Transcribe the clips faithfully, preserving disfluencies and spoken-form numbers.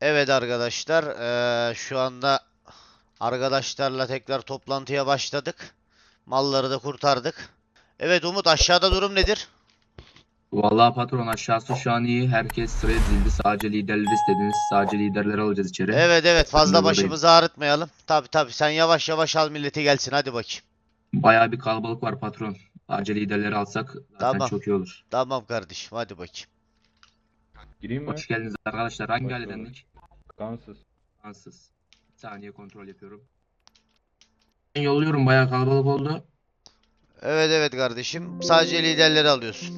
Evet arkadaşlar, eee, şu anda arkadaşlarla tekrar toplantıya başladık. Malları da kurtardık. Evet Umut, aşağıda durum nedir? Vallahi patron aşağısı şu an iyi. Herkes sıraya dizildi. Sadece liderleri istediniz. Sadece liderleri alacağız içeri. Evet evet, Ben de fazla buradayım. başımızı ağrıtmayalım. Tabi tabi, sen yavaş yavaş al milleti gelsin, hadi bakayım. Bayağı bir kalabalık var patron. Sadece liderleri alsak zaten Tamam çok iyi olur. tamam kardeşim, hadi bakayım. Gireyim mi? Hoş geldiniz arkadaşlar. Hangi Hoş ailedendik? Kansız. Fransız. Bir saniye kontrol yapıyorum. Ben yolluyorum. Bayağı kalabalık oldu. Evet evet kardeşim, sadece liderleri alıyorsun.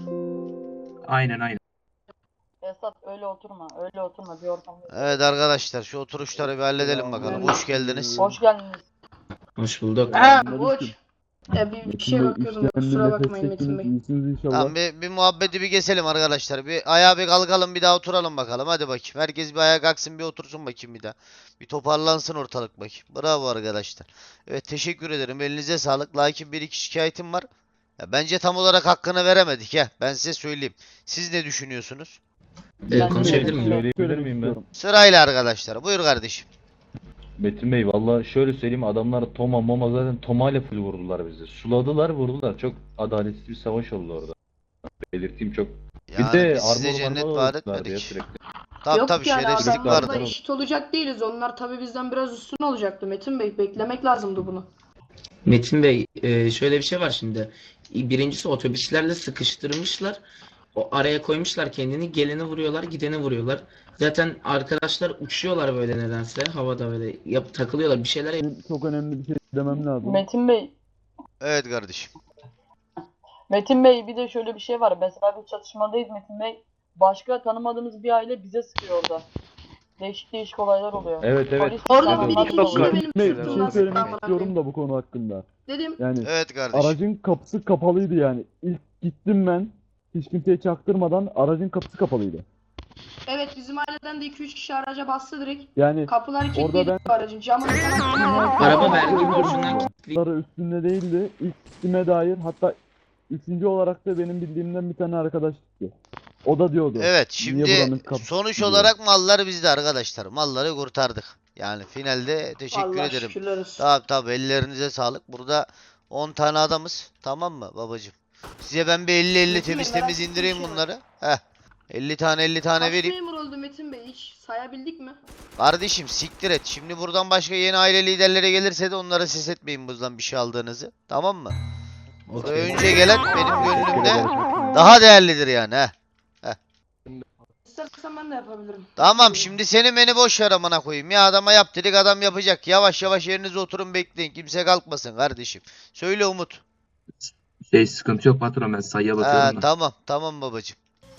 Aynen aynen. Esat öyle oturma, öyle oturma bir ortamda. Evet arkadaşlar, şu oturuşları bir halledelim bakalım. Hoş geldiniz. Hoş geldiniz. Hoş bulduk. Ha, boş. Ya bir, bir şey Şimdi bakıyordum da işlendi, kusura nefes bakmayın Metin çektiniz, Bey. iyisiniz inşallah. Tamam, bir, bir muhabbeti bir keselim arkadaşlar. Bir ayağa bir kalkalım, bir daha oturalım bakalım. Hadi bakayım. Herkes bir ayağa kalksın, bir otursun bakayım bir daha. Bir toparlansın ortalık bakayım. Bravo arkadaşlar. Evet, teşekkür ederim. Elinize sağlık. Lakin bir iki şikayetim var. Ya, bence tam olarak hakkını veremedik ya. Ben size söyleyeyim. Siz ne düşünüyorsunuz? Ee, Ben konuşabilir de- miyim? Söyleyebilir Söylemek miyim ben? istiyorum. Sırayla arkadaşlar. Buyur kardeşim. Metin Bey valla şöyle söyleyeyim, adamlar Toma Moma zaten Toma ile full vurdular bizi. Suladılar vurdular. Çok adaletsiz bir savaş oldu orada. Belirteyim çok. Yani bir de biz size armor cennet marmor vaat aldılar ya etmedik. sürekli. Tabii Yok tabii, yani şerefsizlik adamlarla vardı. eşit olacak değiliz. Onlar tabii bizden biraz üstün olacaktı Metin Bey. Beklemek lazımdı bunu. Metin Bey, e, şöyle bir şey var şimdi. Birincisi otobüslerle sıkıştırmışlar. O araya koymuşlar kendini. Geleni vuruyorlar, gideni vuruyorlar. Zaten arkadaşlar uçuyorlar böyle nedense. Havada böyle yap, takılıyorlar. Bir şeyler Benim çok önemli bir şey demem lazım. Metin Bey, Evet kardeşim. Metin Bey bir de şöyle bir şey var. Mesela bir çatışmadayız Metin Bey. Başka tanımadığımız bir aile bize sıkıyor orada. Değişik değişik olaylar oluyor. Evet evet. Polis Orada falan bir anlatıyor. iki kişi de benim Bey, bir sırtımdan şey söylemek sıkıntı var. istiyorum da bu konu hakkında. Dedim Yani Evet kardeşim. aracın kapısı kapalıydı yani. İlk gittim ben. Hiç kimseye çaktırmadan aracın kapısı kapalıydı. evet bizim aileden de iki üç kişi araca bastı direkt. Yani Kapıları Orada kilitliydi ben- bu aracın. Camını falan araba vergi borcundan kilitli. Kapıları üstünde değildi. İlk gittiğime dair, hatta üçüncü olarak da benim bildiğimden bir tane arkadaş gitti. O da diyordu. Evet, Niye şimdi buranın kapısı sonuç diyor. olarak mallar bizde arkadaşlar. Malları kurtardık. Yani finalde teşekkür Allah ederim. şükürler olsun. Tabi tabi, ellerinize sağlık. Burada on tane adamız. Tamam mı babacım? Size ben bir elli elli Metin Bey, temiz merak temiz ettiğim indireyim bir şey var. bunları. Heh. elli tane elli tane Kaç vereyim. memur oldu Metin Bey? Hiç sayabildik mi? Kardeşim siktir et. Şimdi buradan başka yeni aile liderleri gelirse de onlara ses etmeyin buradan bir şey aldığınızı. Tamam mı? Buraya Okey. önce gelen benim Teşekkür gönlümde ederim. daha değerlidir yani. Heh. İstersen ben de yapabilirim. Tamam, şimdi seni beni boş ver amına koyayım. Ya adama yap dedik, adam yapacak. Yavaş yavaş yerinize oturun, bekleyin. Kimse kalkmasın kardeşim. Söyle Umut. Şey sıkıntı yok patron. Ben sayıya Ha, bakıyorum da. tamam tamam babacım.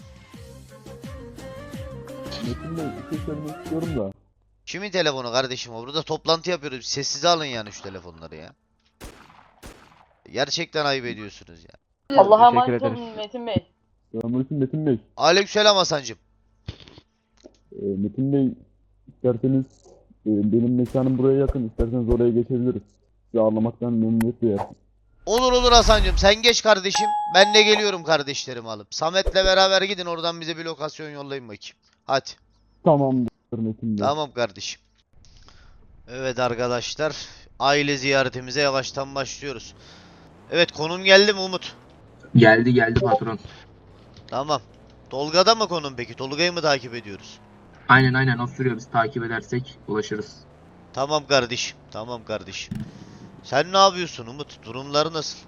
Metin Bey, bir şey söylemek istiyorum da. Kimin telefonu kardeşim o? Burada toplantı yapıyoruz. Sessize alın yani şu telefonları ya. Gerçekten ayıp ediyorsunuz ya. Allah'a Teşekkür emanet ederiz. olun Metin Bey. Selamünaleyküm Metin Bey. Aleykümselam Hasancım. Ee, Metin Bey, isterseniz e, benim mekanım buraya yakın. İsterseniz oraya geçebiliriz. Sizi ağırlamaktan memnuniyet duyarım. Olur olur Hasancım, sen geç kardeşim. Ben de geliyorum kardeşlerimi alıp. Samet'le beraber gidin, oradan bize bir lokasyon yollayın bakayım. Hadi. Tamamdır Metin Bey. Tamam kardeşim. Evet arkadaşlar, aile ziyaretimize yavaştan başlıyoruz. Evet, konum geldi mi Umut? Geldi geldi patron. Tamam. Tolga'da mı konum peki? Tolga'yı mı takip ediyoruz? Aynen aynen o sürüyor. Biz takip edersek ulaşırız. Tamam kardeşim. Tamam kardeşim. Sen ne yapıyorsun Umut? Durumları nasıl?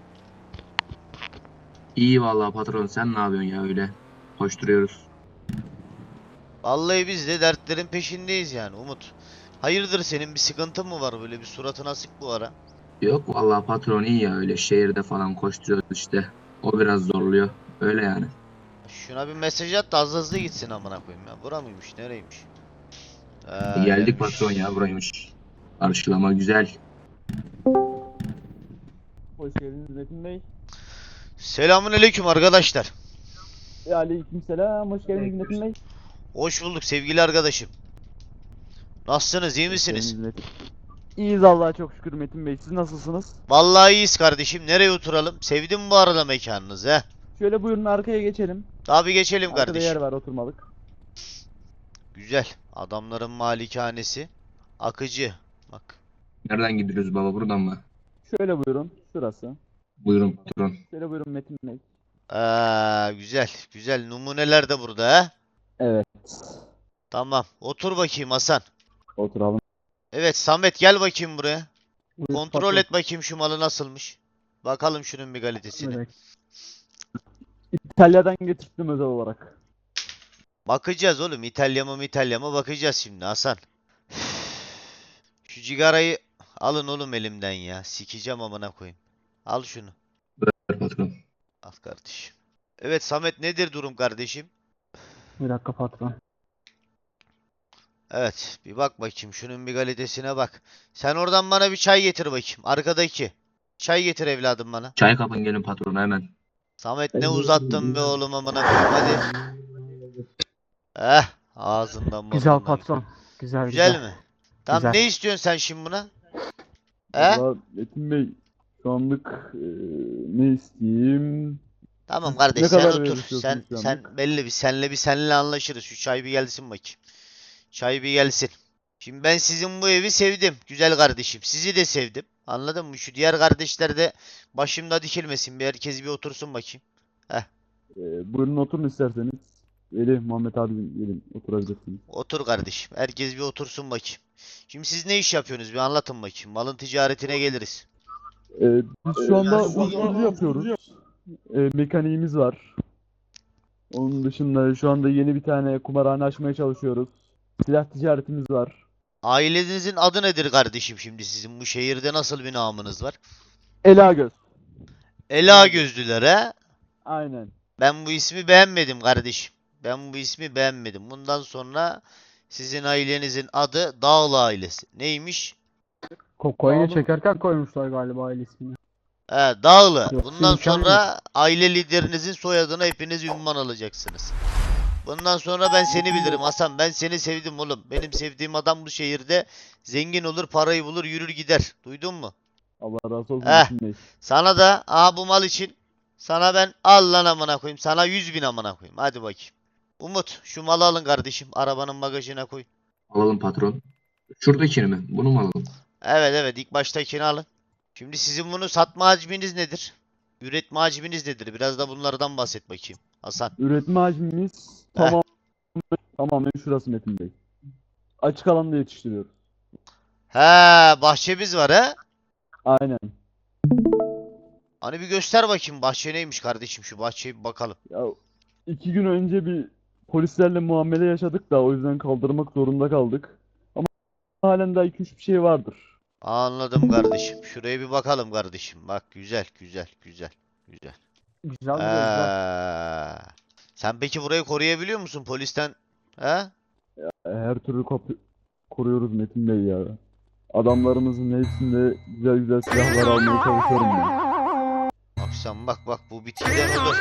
İyi vallahi patron. Sen ne yapıyorsun ya öyle? Koşturuyoruz. Vallahi biz de dertlerin peşindeyiz yani Umut. Hayırdır, senin bir sıkıntın mı var, böyle bir suratın asık bu ara? Yok vallahi patron iyi ya öyle şehirde falan koşturuyoruz işte. O biraz zorluyor. Öyle yani. Şuna bir mesaj at da az hızlı gitsin amına koyayım ya. Bura mıymış? Nereymiş? Ha, Geldik gelmiş. patron ya buraymış. Karşılama güzel. Hoş geldiniz Metin Bey. Selamünaleyküm arkadaşlar. Ve aleykümselam. Hoş geldiniz Metin Bey. Hoş bulduk sevgili arkadaşım. Nasılsınız? İyi misiniz? Hoş geldiniz Metin. İyiyiz Allah'a çok şükür Metin Bey. Siz nasılsınız? Vallahi iyiyiz kardeşim. Nereye oturalım? Sevdim bu arada mekanınızı he. Şöyle buyurun arkaya geçelim. Tabii geçelim Arkada yer kardeşim. var oturmalık. Güzel. Adamların malikanesi. Akıcı. Bak. Nereden gidiyoruz baba, buradan mı? Şöyle buyurun. Şurası. Buyurun patron. Şöyle buyurun Metin Bey. Aa, güzel. Güzel. Numuneler de burada he. Evet. Tamam. Otur bakayım Hasan. Oturalım. Evet Samet gel bakayım buraya. Buyur, Kontrol patron. et bakayım şu malı nasılmış. Bakalım şunun bir kalitesini. Evet. İtalya'dan getirttim özel olarak. Bakacağız oğlum. İtalya mı İtalya mı bakacağız şimdi Hasan. Şu cigarayı alın oğlum elimden ya. Sikeceğim amına koyayım. Al şunu. Ver patron. Al kardeşim. Evet Samet nedir durum kardeşim? Bir dakika patron. Evet bir bak bakayım şunun bir kalitesine bak. Sen oradan bana bir çay getir bakayım. Arkadaki. Çay getir evladım bana. Çay kapın gelin patron hemen. Samet ne uzattın be oğlum amına koyayım hadi. Eh ağzından Güzel burnundan. patron. Güzel Güzel güzel. mi? Tamam Güzel. ne istiyorsun sen şimdi buna? He? Valla Metin Bey şu anlık e, ne isteyeyim? Tamam Siz kardeş ne sen kadar otur. veriyorsunuz Sen şu sen anlık? belli bir senle bir senle anlaşırız. Şu çay bir gelsin bakayım. Çay bir gelsin. Şimdi ben sizin bu evi sevdim. Güzel kardeşim. Sizi de sevdim. Anladın mı? Şu diğer kardeşler de başımda dikilmesin. Bir herkes bir otursun bakayım. E, buyurun oturun isterseniz. Veli, Muhammed abim gelin oturabilirsiniz. Otur kardeşim. Herkes bir otursun bakayım. Şimdi siz ne iş yapıyorsunuz? Bir anlatın bakayım. Malın ticaretine geliriz. E, biz şu anda uyuşturucu yapıyoruz. E, mekaniğimiz var. Onun dışında şu anda yeni bir tane kumarhane açmaya çalışıyoruz. Silah ticaretimiz var. Ailenizin adı nedir kardeşim şimdi sizin? Bu şehirde nasıl bir namınız var? Elagöz. Ela gözlüler he? Aynen. Ben bu ismi beğenmedim kardeşim. Ben bu ismi beğenmedim. Bundan sonra sizin ailenizin adı Dağlı ailesi. Neymiş? Kokaini çekerken koymuşlar galiba aile ismini. He, Dağlı. Yok, Bundan imkanı sonra aile liderinizin soyadına hepiniz ünvan alacaksınız. Bundan sonra ben seni bilirim Hasan. Ben seni sevdim oğlum. Benim sevdiğim adam bu şehirde zengin olur, parayı bulur, yürür gider. Duydun mu? Allah razı olsun Eh. Metin Bey. Sana da aha bu mal için sana ben al lan amına koyayım. Sana yüz bin amına koyayım. Hadi bakayım. Umut şu malı alın kardeşim. Arabanın bagajına koy. Alalım patron. Şuradakini mi? Bunu mu alalım? Evet evet ilk baştakini alın. Şimdi sizin bunu satma hacminiz nedir? Üretme hacminiz nedir? Biraz da bunlardan bahset bakayım. Hasan. Üretme hacmimiz Eh. tamam tamamen şurası Metin Bey. Açık alanda yetiştiriyoruz. He bahçemiz var he? Aynen. Hani bir göster bakayım bahçe neymiş kardeşim şu bahçeye bir bakalım. Ya iki gün önce bir polislerle muamele yaşadık da o yüzden kaldırmak zorunda kaldık. Ama halen daha iki üç bir şey vardır. Anladım kardeşim. Şuraya bir bakalım kardeşim. Bak güzel güzel güzel güzel. Güzel güzel güzel. Ee, sen peki burayı koruyabiliyor musun polisten? He? Her türlü kapı koruyoruz Metin Bey ya. Adamlarımızın hepsinde güzel güzel silahlar almaya çalışıyorum ben. Bak sen bak bak bu bitkiden olur.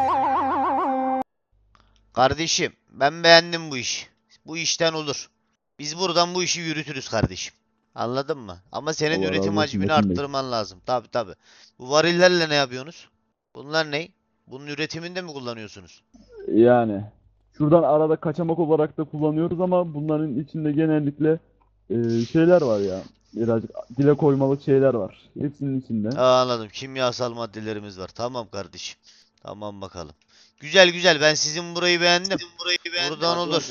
Kardeşim ben beğendim bu işi. Bu işten olur. Biz buradan bu işi yürütürüz kardeşim. Anladın mı? Ama senin Allah razı üretim olsun hacmini Metin Bey. arttırman lazım. Tabi tabi. Bu varillerle ne yapıyorsunuz? Bunlar ne? Bunun üretiminde mi kullanıyorsunuz? Yani şuradan arada kaçamak olarak da kullanıyoruz ama bunların içinde genellikle e, şeyler var ya. Birazcık dile koymalık şeyler var. Hepsinin içinde. Aa, anladım. Kimyasal maddelerimiz var. Tamam kardeşim. Tamam bakalım. Güzel güzel. Ben sizin burayı beğendim. Buradan olur.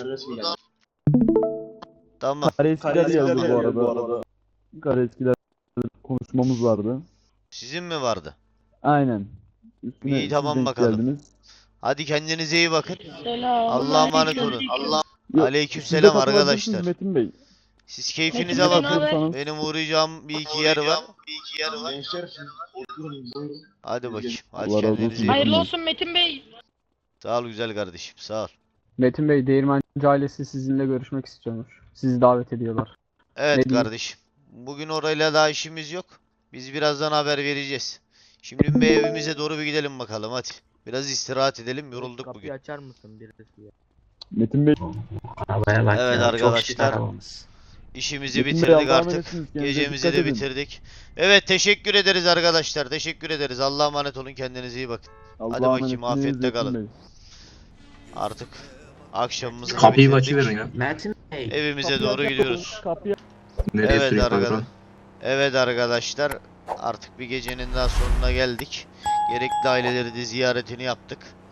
Tamam. Kareskiler geldi bu arada. Kareskiler konuşmamız vardı. Sizin mi vardı? Aynen. Üstüne İyi, siz tamam denk bakalım. geldiniz. Hadi kendinize iyi bakın. Selam. Allah'a emanet olun. Allah Yok, Aleykümselam siz de katılabilirsiniz arkadaşlar. Metin Bey. Siz keyfinize Metin Bey, bakın. naber? Benim uğrayacağım bir iki yer var. Hadi bakayım. Hadi Allah razı kendinize olsun. iyi bakın. Hayırlı olsun Metin Bey. Sağ ol güzel kardeşim. Sağ ol. Metin Bey, Değirmenci ailesi sizinle görüşmek istiyormuş. Sizi davet ediyorlar. Evet Ne diyeyim? kardeşim. Bugün orayla daha işimiz yok. Biz birazdan haber vereceğiz. Şimdi bir evimize doğru bir gidelim bakalım hadi. Biraz istirahat edelim. Yorulduk Kapıyı bugün. açar mısın birisi ya? Metin Bey. Arabaya bak Evet ya, çok şık arkadaşlar. arabamız. İşimizi Metin Bey, bitirdik Allah'a artık. emanetsiniz. Kendinize Gecemizi dikkat de edin. bitirdik. Evet teşekkür ederiz arkadaşlar. Teşekkür ederiz. Allah'a emanet olun. Kendinize iyi bakın. Allah'a bakayım, emanetsiniz afiyetle Metin kalın. Bey. Artık Akşamımızı da Kapıyı bitirdik. açıverin ya. Metin Bey. Evimize Kapıyı doğru aç gidiyoruz. Kapıyı Nereye Evet süreyim arkadaşlar. patron? Evet arkadaşlar. Artık bir gecenin daha sonuna geldik. Gerekli aileleri de ziyaretini yaptık.